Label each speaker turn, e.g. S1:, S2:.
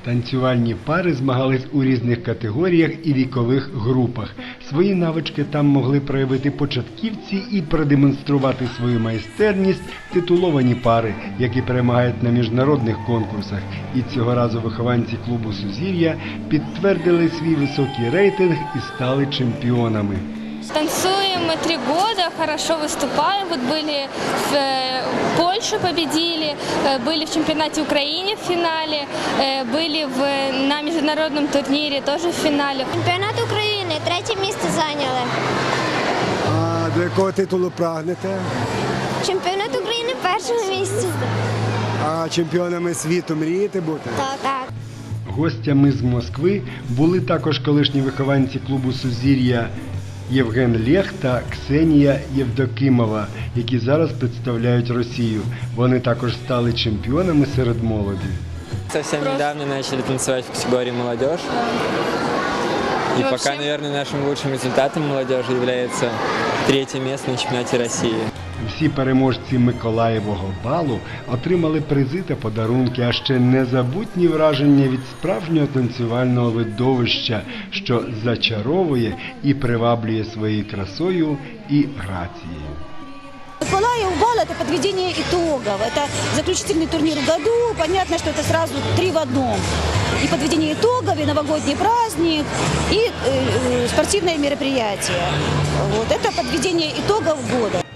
S1: Танцювальні пари змагались у різних категоріях і вікових групах. Свої навички там могли проявити початківці і продемонструвати свою майстерність титуловані пари, які перемагають на міжнародних конкурсах. І цього разу вихованці клубу «Сузір'я» підтвердили свій високий рейтинг і стали чемпіонами.
S2: Танцуем мы 3 года, хорошо выступаем. Вот были в Польше, победили, были в чемпионате Украины в финале, были на международном турнире тоже в финале.
S3: Чемпіонат України, 3 місце зайняли.
S4: А до якого титулу прагнете?
S3: Чемпіонат України 1 місце.
S4: А чемпіонами світу мрієте бути?
S3: Так.
S1: Гостями з Москви були також колишні вихованці клубу «Сузір'я» Євген Лєх та Ксенія Євдокимова, які зараз представляють Росію. Вони також стали чемпіонами серед молоді.
S5: Совсем недавно начали танцевать в категории «Молодежь». И пока, наверное, нашим лучшим результатом молодежи является 3-е место на чемпионате России.
S1: Всі переможці Миколаєвого балу отримали призи та подарунки, а ще незабутні враження від справжнього танцювального видовища, що зачаровує і приваблює своєю красою і грацією.
S6: Миколаев бал – это подведение итогов, это заключительный турнир в году, понятно, что это сразу 3 в одном. И подведение итогов, и новогодний праздник, и спортивное мероприятие. Вот, это подведение итогов года.